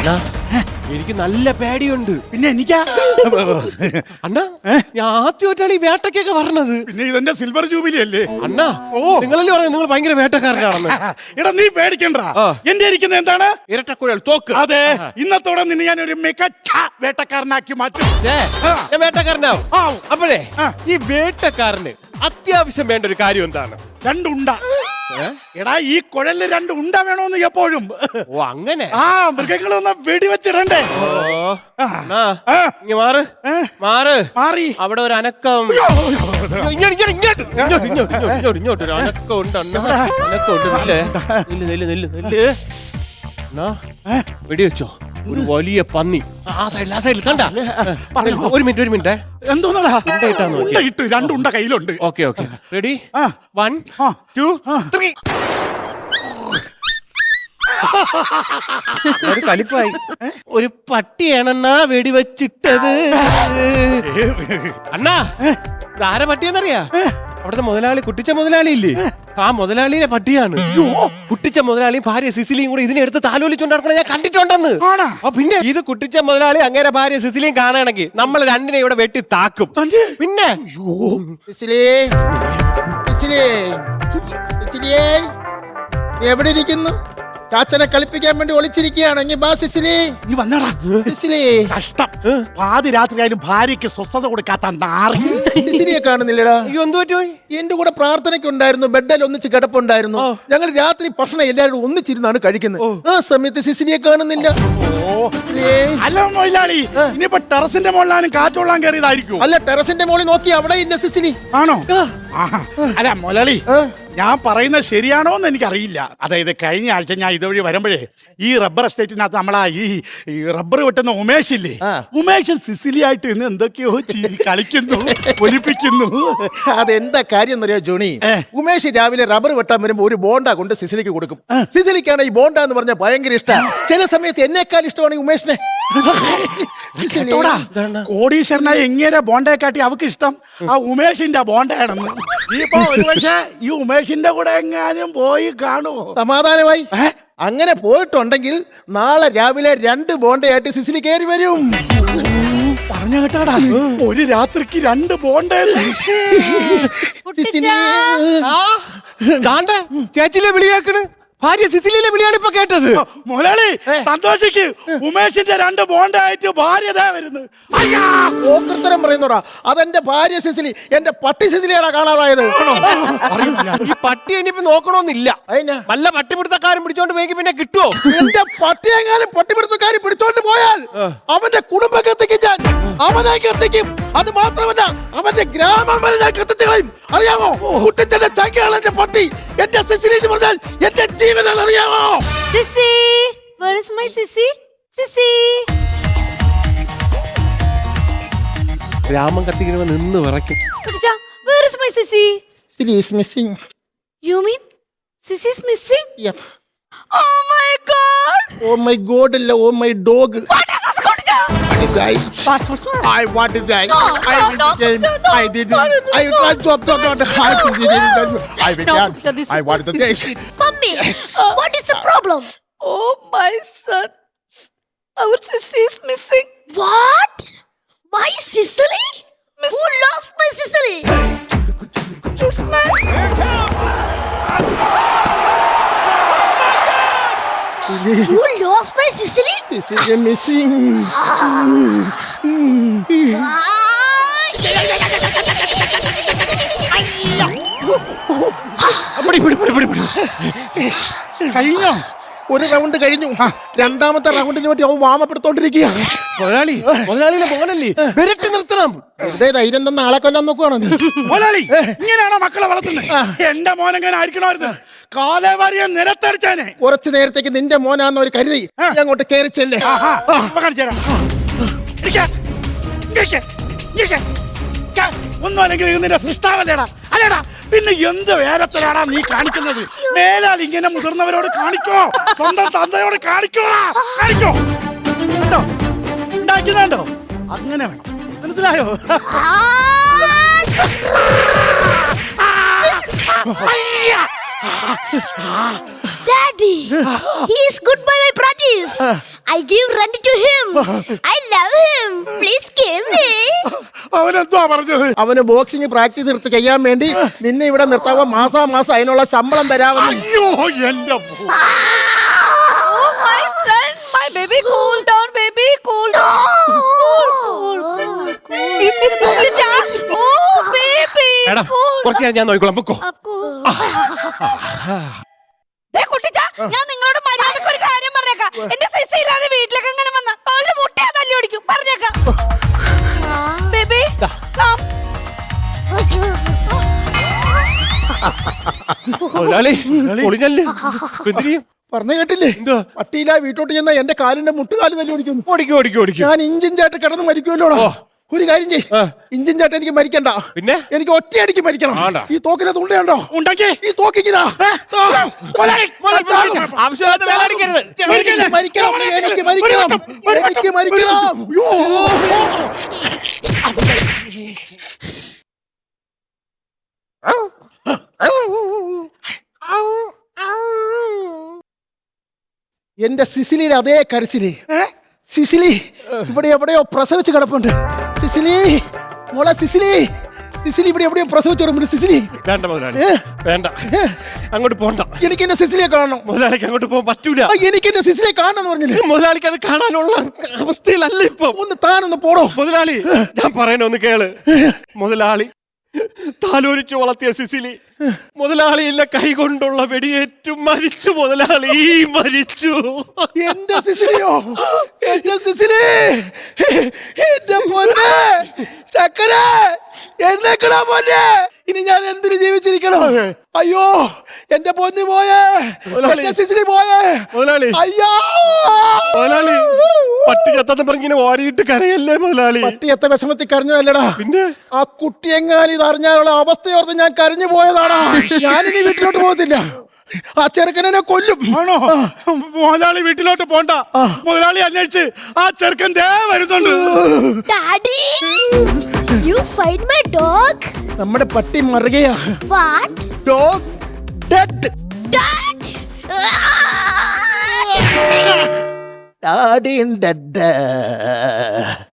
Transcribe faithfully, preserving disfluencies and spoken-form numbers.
എനിക്ക് നല്ല പേടിയുണ്ട്. പിന്നെ എനിക്കാ അണ്ണാ ഞാൻ ആദ്യമായിട്ടാണ് ഈ വേട്ടക്കൊക്കെ പറഞ്ഞത്. പിന്നെ ഇതെന്റെ സിൽവർ ജൂബിലി അല്ലേ അണ്ണാ? ഓ നിങ്ങളല്ലേ പറഞ്ഞു നിങ്ങൾ ഭയങ്കര വേട്ടക്കാരനാണെന്ന്. എടാ നീ പേടിക്കണ്ട. എന്റെ ഇരിക്കുന്നത് എന്താണ്? ഇരട്ടക്കുഴൽ തോക്ക്. അതെ, ഇന്നത്തോടെ നിന്നെ ഞാൻ ഒരു മികച്ച വേട്ടക്കാരനാക്കി മാറ്റും. ഞാൻ വേട്ടക്കാരനാവും. അപ്പോഴേ ഈ വേട്ടക്കാരന് അത്യാവശ്യം വേണ്ട ഒരു കാര്യം എന്താണ്? രണ്ടുണ്ട. എടാ ഈ കുഴലില് രണ്ട് ഉണ്ട വേണോന്ന് എപ്പോഴും. ഓ അങ്ങനെ. ആ മൃഗങ്ങളൊന്ന് വെടിവെച്ചിടണ്ടേ. മാറ് മാറ് മാറി. അവിടെ ഒരു അനക്കം. ഇങ്ങോട്ട് ഇങ്ങോട്ട് ഇങ്ങോട്ട് ഇങ്ങോട്ട് ഇങ്ങോട്ട് ഒരു അനക്കം ഉണ്ട്. അനക്കം ഉണ്ട്. നെല്ല് നെല്ല് നെല്ല് നെല്ല്. വെടിവെച്ചോ? ഒരു വലിയ പന്നി ആ സൈഡിൽ ആ സൈഡിൽ കണ്ട. ഒരു മിനിറ്റ് ഒരു മിനിറ്റ്. എന്തോന്നാ ഇട്ടു? രണ്ടുണ്ട കയ്യിലുണ്ട്. Okay okay ready. One two three. ഒരു കലിപ്പായി. ഒരു പട്ടിയാണെന്നാ വെടിവെച്ചിട്ടത്. അണ്ണാ ഇതാരെ പട്ടിയെന്നറിയാ? അവിടുത്തെ മുതലാളി കുട്ടിച്ച മുതലാളി ഇല്ലേ? ആ മുതലാളിയുടെ പട്ടിയാണ്. കുട്ടിച്ച മുതലാളിയും ഭാര്യ സിസിലിയും കൂടെ ഇതിനെ എടുത്ത് താലോലിച്ചോണ്ട് നടക്കണ ഞാൻ കണ്ടിട്ടുണ്ടെന്ന്. പിന്നെ ഇത് കുട്ടിച്ച മുതലാളി അങ്ങനെ ഭാര്യ സിസിലിയും കാണുകയാണെങ്കിൽ നമ്മൾ രണ്ടിനെ ഇവിടെ വെട്ടി താക്കും. പിന്നെ എവിടെ ഇരിക്കുന്നു? ചാച്ചനെ കളിപ്പിക്കാൻ വേണ്ടി ഒളിച്ചിരിക്കുകയാണെങ്കിൽ ബാ സിസിലി. നീ വന്നടാ സിസിലി. കഷ്ടം. പാതി രാത്രിയായാലും ഭാര്യയ്ക്ക് സ്വസ്ഥത കൊടുക്കാത്ത നാറി. സിസിലിയെ കാണുന്നില്ലടാ. അയ്യോ എന്ത് പറ്റോ? എന്റെ കൂടെ പ്രാർത്ഥനയ്ക്കുണ്ടായിരുന്നു. ബെഡിൽ ഒന്നിച്ച് കിടപ്പുണ്ടായിരുന്നു. ഞങ്ങൾ രാത്രി ഭക്ഷണം എല്ലാവരും ഒന്നിച്ചിരുന്നാണ് കഴിക്കുന്നത്. ആ സമയത്ത് സിസിലിയെ കാണുന്നില്ല. അല്ല മൊയിലാളി, ഇനിയിപ്പോ ടെറസിന്റെ മുകളിലാണ് കാറ്റൊള്ളാൻ കയറിയതായിരിക്കും. അല്ല, ടെറസിന്റെ മുകളിൽ നോക്കി അവിടെ ഇല്ല സിസിലി. ആണോ? അല്ല മൊലാളി, ഞാൻ പറയുന്നത് ശരിയാണോ എന്ന് എനിക്കറിയില്ല. അതായത് കഴിഞ്ഞ ആഴ്ച ഞാൻ ഇതുവഴി വരുമ്പോഴേ ഈ റബ്ബർ എസ്റ്റേറ്റിനകത്ത് നമ്മളാ ഈ റബ്ബർ വെട്ടുന്ന ഉമേഷ് ഇല്ലേ, ഉമേഷ് സിസിലിയായിട്ട് ഇന്ന് എന്തൊക്കെയോ കളിക്കുന്നു, ഒലിപ്പിക്കുന്നു. അതെന്താ കാര്യം എന്നറിയോ ജോണി? ഉമേഷ് രാവിലെ റബ്ബർ വെട്ടാൻ വരുമ്പോ ഒരു ബോണ്ട കൊണ്ട് സിസിലിക്ക് കൊടുക്കും. സിസിലിക്കാണ് ഈ ബോണ്ട എന്ന് പറഞ്ഞ ഭയങ്കര ഇഷ്ടമാണ്. ചില സമയത്ത് എന്നെക്കാൾ ഇഷ്ടമാണ് ഈ ഉമേഷിനെ. കോടീശ്വരനായ എങ്ങനെ ബോണ്ടയെ കാട്ടി അവക്ക് ഇഷ്ടം ആ ഉമേഷിന്റെ ബോണ്ടയാണെന്ന്. ഇപ്പൊ ഒരുപക്ഷെ ഈ ഉമേഷിന്റെ കൂടെ എങ്ങാനും പോയി കാണുമോ? സമാധാനമായി. അങ്ങനെ പോയിട്ടുണ്ടെങ്കിൽ നാളെ രാവിലെ രണ്ട് ബോണ്ടയായിട്ട് സിസിലി കയറി വരും. പറഞ്ഞ കേട്ടാടാ, ഒരു രാത്രിക്ക് രണ്ട് ബോണ്ട. ചേച്ചിലെ വിളിയാക്കണ് ഭാര്യ സിസിലിയിലെ വിളിയാണ് ഇപ്പൊ കേട്ടത്. മുരളി സന്തോഷിക്ക്, ഉമേഷിന്റെ രണ്ട് ബോണ്ടായിട്ട് ഭാര്യ വരുന്നു. ഓക്രത്തരം പറയുന്നോടാ. അതെന്റെ ഭാര്യ സിസിലി, എന്റെ പട്ടി സിസിലിയാടാ കാണാതായത്. ഈ പട്ടി ഇനിയിപ്പോ നോക്കണമെന്നില്ല. വല്ല പട്ടിപിടുത്തക്കാരും പിടിച്ചോണ്ട് പോയി പിന്നെ കിട്ടുമോ? എന്റെ പട്ടി എങ്ങാനും പട്ടിപിടുത്തക്കാരി പിടിച്ചോണ്ട് പോയാൽ അവന്റെ കുടുംബം കത്തിക്കും ഞാൻ. അവനെ കത്തിക്കും. അത് മാത്രമല്ല അവന്റെ ഗ്രാമം വരെ ഞാൻ കത്തിച്ചു കളയും. അറിയാമോ? കുട്ടിച്ചന്റെ ചങ്കയാണ് എന്റെ പട്ടി. എന്റെ സിസിലി എന്ന് പറഞ്ഞാൽ എന്റെ ജീവനാണ്. അറിയാമോ? Sissy, where is my Sissy? Sissy. ഗ്രാമം കത്തിക്കുമ്പോ നിന്ന് വിറയ്ക്കും. കുട്ടിച്ചാ, where is my Sissy? Sissy is missing. You mean Sissy is missing? Yep. Oh my God! Oh my God! അല്ല, oh my dog. What is this, കുട്ടിച്ചാ? What is that? What's what's what? I want to die. No, I no, will no, game. no, no, I did it. no, no, I no. can't stop, stop, stop. I did it. I will No, not. Kucha, this I is want not- to this die. is it. Mummy, what is the problem? Oh my son, our Sissy is missing. What? My Sicily? Miss- Who lost my Sicily? This man. You lost my Sicily? Sissy is missing. കഴിഞ്ഞോ? ഒരു round കഴിഞ്ഞു. രണ്ടാമത്തെ റൗണ്ടിന് വേണ്ടി അവൻ വാമപ്പെടുത്തോണ്ടിരിക്കുകയാണ്. മുതലാളി, മുതലാളിയിലെ മോനല്ലേ, വിരട്ടി നിർത്തണം. വെറുതെ ധൈര്യം തന്ന ആളെ കൊല്ലാൻ നോക്കുവാണോ നീ? മുതലാളി ഇങ്ങനെയാണോ മക്കളെ വളർത്തുന്നത്? എന്റെ മോനെങ്ങനെ ആയിരിക്കണമായിരുന്നു? കാലേവാരിയെ നിലത്തടിച്ചാനെ. കുറച്ചു നേരത്തേക്ക് നിന്റെ മോനാന്ന് ഒരു കരുതി അങ്ങോട്ട് കയറിച്ചല്ലേ. ഒന്നും അല്ലെങ്കിൽ നിന്റെ സൃഷ്ടാവല്ലേടാ? അല്ലേടാ, പിന്നെ എന്ത് വേരത്തിലാടാ നീ കാണിക്കുന്നത്? മേലാൽ ഇങ്ങനെ മുതിർന്നവരോട് കാണിക്കോ, സ്വന്തം തന്തയോട് കാണിക്കോടാ. കാണിക്കോ ഉണ്ടാക്കുന്നുണ്ടോ? അങ്ങനെ വേണം, മനസ്സിലായോ? Daddy! He is good by my practice. I give rent to him. I love him. Please kill me. അവനെന്തുവാ പറഞ്ഞത്? അവന് ബോക്സിംഗ് പ്രാക്ടീസ് എടുത്ത് ചെയ്യാൻ വേണ്ടി നിന്നെ ഇവിടെ നിർത്താവോ മാസാ മാസം അതിനുള്ള ശമ്പളം തരാമെന്ന്. അയ്യോ എന്റെ പോ- Oh, my son, my baby, cool down, baby, cool down. Cool, cool, cool, cool. കുട്ടിച്ചാ, oh, baby, എടാ cool കുറച്ച് നേരം ഞാൻ നോക്കിക്കോളാം പൊക്കോ. down, cool. ദേ കുട്ടിച്ചാ, ഞാൻ നിങ്ങളോട് മര്യാദക്ക് ഒരു കാര്യം പറഞ്ഞേക്കാം. എന്റെ സിസി ഇല്ലാതെ വീട്ടിലേക്ക് എങ്ങനെ വന്ന അവരുടെ മുട്ടയാ തല്ലി ഓടിക്കും പറഞ്ഞേക്കാം. Baby, come. മുതലാളി പൊളിഞ്ഞല്ലേ എന്തിനീ പറഞ്ഞു കേട്ടില്ലേ? എന്തുവാ? പട്ടിയില്ല വീട്ടോട്ട് ചെന്ന എന്റെ കാലിന്റെ മുട്ടുകാല് തല്ലി ഓടിക്കുന്നു. ഓടിക്കും ഓടിക്കും ഓടിക്കും. ഞാൻ ഇഞ്ചിൻ ചാട്ട് കിടന്ന് മരിക്കുമല്ലോടാ. ഒരു കാര്യം ചെയ്, ആ. ഇഞ്ചിൻ ചാട്ട് എനിക്ക് മരിക്കണ്ട. പിന്നെ? എനിക്ക് ഒറ്റയടിക്ക് മരിക്കണം. ആണ്ടാ. ഈ തോക്കിനെ തുണ്ടയുണ്ടോ? ഉണ്ടാക്കി ഈ തോക്കിക്കുതാ. ആവശ്യമില്ലാത്ത വേല അടിക്കരുത്. എനിക്ക് മരിക്കണം, എനിക്ക് മരിക്കണം, എനിക്ക് മരിക്കണം. അയ്യോ. എന്റെ സിസിലിയുടെ അതേ കരച്ചില്. സിസിലി ഇവിടെ എവിടെയോ പ്രസവിച്ച് കിടപ്പുണ്ട്. സിസിലി മോളെ, സിസിലി സിസിലി ഇവിടെ എവിടെയോ പ്രസവിച്ച് കിടപ്പുണ്ട്. സിസിലി വേണ്ട മുതലാളി ഏ? വേണ്ട അങ്ങോട്ട് പോണ്ട. എനിക്ക് എന്റെ സിസിലിയെ കാണണം. മുതലാളിക്ക് അങ്ങോട്ട് പോകാൻ പറ്റൂല. ആ, എനിക്ക് എന്റെ സിസിലിയെ കാണണം പറഞ്ഞില്ലേ? മുതലാളിക്ക് അത് കാണാനുള്ള അവസ്ഥയിലല്ല ഇപ്പൊ. ഒന്ന് താനൊന്ന് പോടോ. മുതലാളി ഞാൻ പറയണ ഒന്ന് കേള്. മുതലാളി താലോലിച്ചു വളർത്തിയ സിസിലി മുതലാളിയില്ല കൈകൊണ്ടുള്ള വെടിയേറ്റു മരിച്ചു. മുതലാളി മരിച്ചു. എന്റെ സിസിലിയോ? എന്റെ സിസിലി, എന്റെ പൊന്നെ ചക്കര, എന്നേക്കടാ പൊന്നെ. ഇനി ഞാൻ എന്തിനു ജീവിച്ചിരിക്കണം? അയ്യോ എന്റെ പൊന്നി പോയേ, എന്റെ സിസിലി പോയേ. മുതലാളി അയ്യോ മുതലാളി പട്ടി ചത്തെന്ന് പറഞ്ഞിങ്ങനെ ഓരിയിട്ട് കരയല്ലേ മുതലാളി. പട്ടിയത്തെ വിഷമത്തിൽ കരഞ്ഞതല്ലടാ. പിന്നെ ആ കുട്ടിയെങ്ങാനും ഇത് അറിഞ്ഞാലുള്ള അവസ്ഥയോർത്ത് ഞാൻ കരഞ്ഞു പോയതാടാ. ഞാനിനി വീട്ടിലോട്ട് പോകത്തില്ല. ആ ചെറുക്കനെ കൊല്ലും. ആണോ? മുതലാളി വീട്ടിലോട്ട് പോണ്ട. മുതലാളി അന്വേഷിച്ച് ആ ചെറുക്കൻ ദേ വരുന്നുണ്ട്. Daddy, you find my dog? നമ്മുടെ പട്ടി മറുകയാ. What? Dog dead. Dad? Daddy dead.